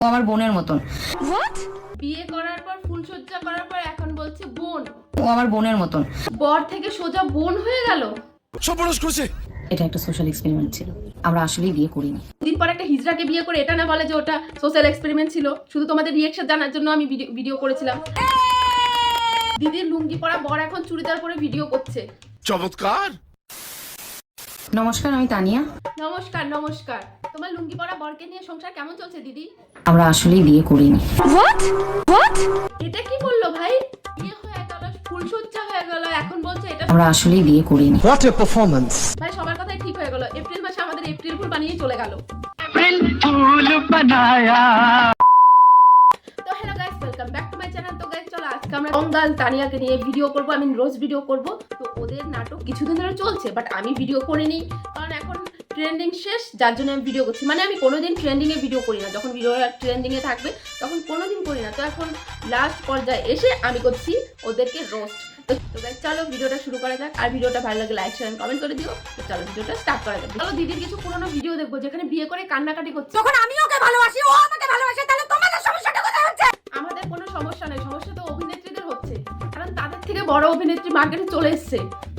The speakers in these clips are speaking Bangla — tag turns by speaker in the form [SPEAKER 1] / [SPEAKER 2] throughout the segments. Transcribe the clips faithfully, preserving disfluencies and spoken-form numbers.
[SPEAKER 1] ও আমার বোনের মতন।
[SPEAKER 2] হোয়াট? বিয়ে করার পর ফুলসজ্জা করার পর এখন বলছে বোন।
[SPEAKER 1] ও আমার বোনের মতন।
[SPEAKER 2] বর থেকে সোজা বোন হয়ে গেল।
[SPEAKER 3] সর্বনাশ করেছে।
[SPEAKER 1] এটা একটা সোশ্যাল এক্সপেরিমেন্ট ছিল, আমরা আসলেই বিয়ে করিনি।
[SPEAKER 2] দিন পর একটা হিজড়াকে বিয়ে করে এটা না বলে যে ওটা সোশ্যাল এক্সপেরিমেন্ট ছিল। শুধু তোমাদের রিয়েকশন জানার জন্য আমি ভিডিও ভিডিও করেছিলাম। দিদির লুঙ্গি পরা বর এখন চুড়িদার পরে ভিডিও করছে।
[SPEAKER 3] চমৎকার।
[SPEAKER 1] নমস্কার, আমি তানিয়া।
[SPEAKER 2] নমস্কার নমস্কার তোমার লুঙ্গি পরা বরকে নিয়ে সংসার কেমন চলছে দিদি?
[SPEAKER 1] আমরা আসলেই বিয়ে করিনি।
[SPEAKER 2] হোয়াট হোয়াট এটা কি বললো ভাই? বিয়ে হয়ে গেল, ফুলসজ্জা হয়ে গেল, এখন বলছে এটা
[SPEAKER 1] আমরা আসলেই বিয়ে করিনি।
[SPEAKER 4] What a performance!
[SPEAKER 2] ভাই সবার কথাই ঠিক হয়ে গেল। এপ্রিল মাসে আমাদের এপ্রিল ফুল বানিয়ে চলে গেল।
[SPEAKER 4] फूल बनाया।
[SPEAKER 2] তো hello guys, welcome back to my channel. তো গাইস চলো আজকে আমরা অঙ্গাল তানিয়াকে নিয়ে ভিডিও করব। আমি রোজ ভিডিও করব। তো ওদের নাটক কিছুদিন ধরে চলছে, বাট আমি ভিডিও করিনি কারণ এখন ট্রেন্ডিং শেষ, যার জন্য আমি ভিডিও করছি। মানে আমি কোনোদিন ট্রেন্ডিং এ ভিডিও করি না, যখন ভিডিও ট্রেন্ডিং এ থাকবে তখন কোনোদিন করি না। তো এখন লাস্ট পর্যায়ে এসে আমি করছি ওদেরকে রোস্ট। তো গাইস চলো ভিডিওটা শুরু করা যাক। আর ভিডিওটা ভালো লাগলে লাইক শেয়ার কমেন্ট করে দিও। তো চলো ভিডিওটা স্টার্ট করা যাক। চলো দিদির কিছু পুরনো ভিডিও দেখবো যেখানে বিয়ে করে কান্নাকাটি করছে।
[SPEAKER 5] তখন আমি ওকে ভালোবাসি, ও আমাকে ভালোবাসে, তাহলে তোমাদের সমস্যাটা কোথায় হচ্ছে?
[SPEAKER 2] আমাদের কোনো সমস্যা নেই, সমস্যা তো অভিনেত্রীদের হচ্ছে, কারণ তাদের থেকে বড় অভিনেত্রী মার্কেটে চলে এসছে।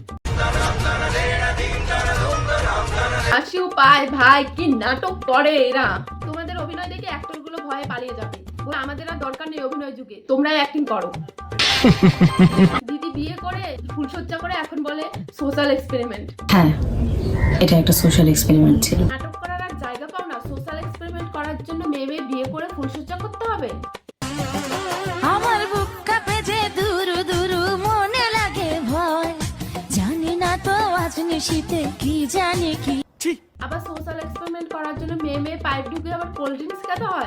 [SPEAKER 2] হাসিও পায় ভাই, কি নাটক করে এরা। তোমাদের অভিনয় দেখে অ্যাক্টর গুলো ভয়ে পালিয়ে যাবে। বলে আমাদের আর দরকার নেই অভিনয় যুগে, তোমরাই অ্যাক্টিং করো। দিদি বিয়ে করে ফুলসজ্জা করে এখন বলে সোশ্যাল এক্সপেরিমেন্ট।
[SPEAKER 1] হ্যাঁ, এটা একটা সোশ্যাল এক্সপেরিমেন্ট ছিল।
[SPEAKER 2] নাটক করার আর জায়গা পাও না, সোশ্যাল এক্সপেরিমেন্ট করার জন্য মেয়ে মেয়ে বিয়ে করে ফুলসজ্জা করতে হবে।
[SPEAKER 5] আমার বুক কাঁপে যে দুরু দুরু, মনে লাগে ভয়, জানি না তো আজ নিশীতে কি জানি কি।
[SPEAKER 2] আবার সোশ্যাল এক্সপেরিমেন্ট করার জন্য মেয়ে মেয়ে পাইপ ঢুকে আবার কোল্ড ড্রিঙ্কস খেতে হয়।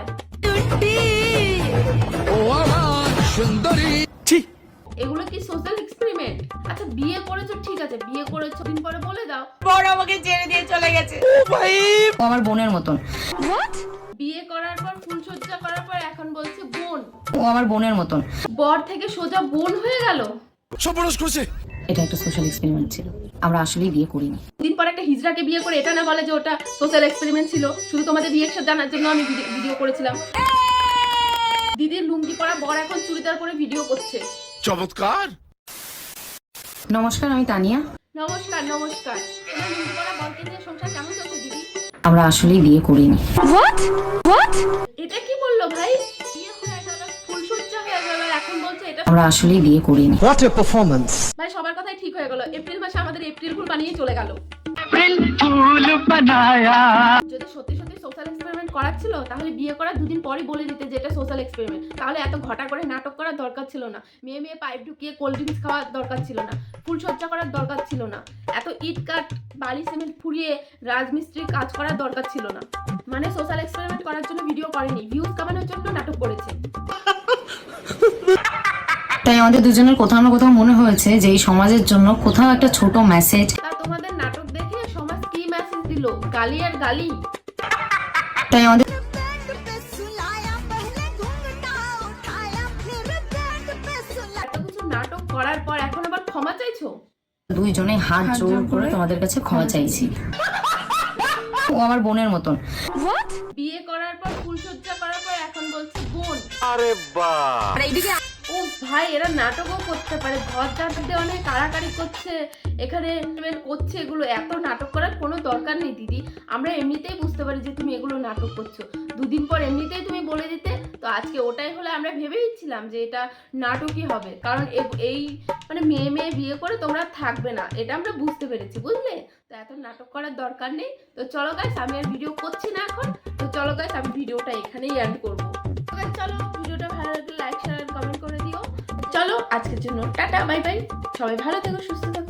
[SPEAKER 3] ও আমার সুন্দরী।
[SPEAKER 2] এগুলো কি সোশ্যাল এক্সপেরিমেন্ট? আচ্ছা বিয়ে করেছো ঠিক আছে, বিয়ে করেছো দিন পরে বলে দাও
[SPEAKER 5] বড় আমাকে ছেড়ে দিয়ে চলে গেছে।
[SPEAKER 1] ও আমার বোনের মতন।
[SPEAKER 2] বিয়ে করার পর ফুলসজ্জা করার পর এখন বলছে বোন।
[SPEAKER 1] ও আমার বোনের মতন।
[SPEAKER 2] বর থেকে সোজা বোন হয়ে গেল।
[SPEAKER 3] সর্বনাশ করেছে।
[SPEAKER 1] এটা একটা সোশ্যাল এক্সপেরিমেন্ট ছিল, আমরা আসলেই বিয়ে করিনি।
[SPEAKER 2] দিন পর একটা হিজড়াকে বিয়ে করে এটা না বলে যে ওটা সোশ্যাল এক্সপেরিমেন্ট ছিল। শুধু তোমাদের রিয়েকশন জানার জন্য আমি ভিডিও করেছিলাম। দিদির লুঙ্গি পরা বর এখন চুড়িদার পরে ভিডিও করছে।
[SPEAKER 3] চমৎকার।
[SPEAKER 1] নমস্কার, আমি তানিয়া।
[SPEAKER 2] নমস্কার নমস্কার তোমার লুঙ্গি পরা বরকে নিয়ে সংসার কেমন চলছে দিদি?
[SPEAKER 1] আমরা আসলেই বিয়ে করিনি।
[SPEAKER 5] What what?
[SPEAKER 2] এটা কি বললো ভাই? বিয়ে হয়ে গেল, ফুলসজ্জা হয়ে গেল, এখন বলছে এটা
[SPEAKER 1] আমরা আসলেই বিয়ে করিনি।
[SPEAKER 4] What a performance!
[SPEAKER 2] ভাই সবার কথাই ঠিক হয়ে গেল। এপ্রিল মাসে আমাদের এপ্রিল ফুল বানিয়ে চলে গেল।
[SPEAKER 4] फूल बनाया।
[SPEAKER 2] যদি সত্যি সত্যি সোশ্যাল এক্সপেরিমেন্ট করার ছিল তাহলে বিয়ে করার দুদিন পরই বলে দিতে যে এটা সোশ্যাল এক্সপেরিমেন্ট। তাহলে এত ঘটা করে নাটক করার দরকার ছিল না, মেয়ে মেয়ে পাইপ ঢুকিয়ে কোল্ড ড্রিঙ্কস খাওয়ার দরকার ছিল না, ফুলসজ্জা করার দরকার ছিল না, এত ইট কাট বালি সিমেন্ট ফুরিয়ে রাজমিস্ত্রির কাজ করার দরকার ছিল না। মানে সোশ্যাল এক্সপেরিমেন্ট করার জন্য ভিডিও করেনি, ভিউজ কামানোর জন্য নাটক করেছে।
[SPEAKER 1] তাই আমাদের দুজনের কোথাও না কোথাও মনে হয়েছে যে এই সমাজের জন্য কোথাও একটা ছোট মেসেজ।
[SPEAKER 2] তা তোমাদের নাটক দেখে সমাজ কি মেসেজ দিল? গালি আর গালি।
[SPEAKER 1] তাই আমাদের
[SPEAKER 2] এত কিছু নাটক করার পর এখন আবার ক্ষমা চাইছো?
[SPEAKER 1] দুইজনে হাত জোর করে তোমাদের কাছে ক্ষমা চাইছি। ও আমার বোনের মতন।
[SPEAKER 2] বিয়ে করার পর ফুলসজ্জা করার পর এখন বলছে বোন।
[SPEAKER 3] আরে বাহ।
[SPEAKER 5] আর এইদিকে
[SPEAKER 2] ও ভাই, এরা নাটকও করতে পারে, ঘর জানতে অনেক কাড়াকাড়ি করছে, এখানে করছে। এগুলো এত নাটক করার কোনো দরকার নেই দিদি। আমরা এমনিতেই বুঝতে পারি যে তুমি এগুলো নাটক করছো। দুদিন পর এমনিতেই তুমি বলে দিতে। তো আজকে ওটাই হলে আমরা ভেবেইছিলাম যে এটা নাটকই হবে, কারণ এই মানে মেয়ে মেয়ে বিয়ে করে তোমরা থাকবে না, এটা আমরা বুঝতে পেরেছি, বুঝলে? তো এত নাটক করার দরকার নেই। তো চলো গাইস, আমি আর ভিডিও করছি না এখন। তো চলো গাইস, আমি ভিডিওটা এখানেই এন্ড করবো। চলো ভিডিওটা ভালো লাগলে লাইক শেয়ার কমেন্ট করে দিও। চলো আজকের জন্য টাটা বাই বাই, সবাই ভালো থেকো, সুস্থ থেকো।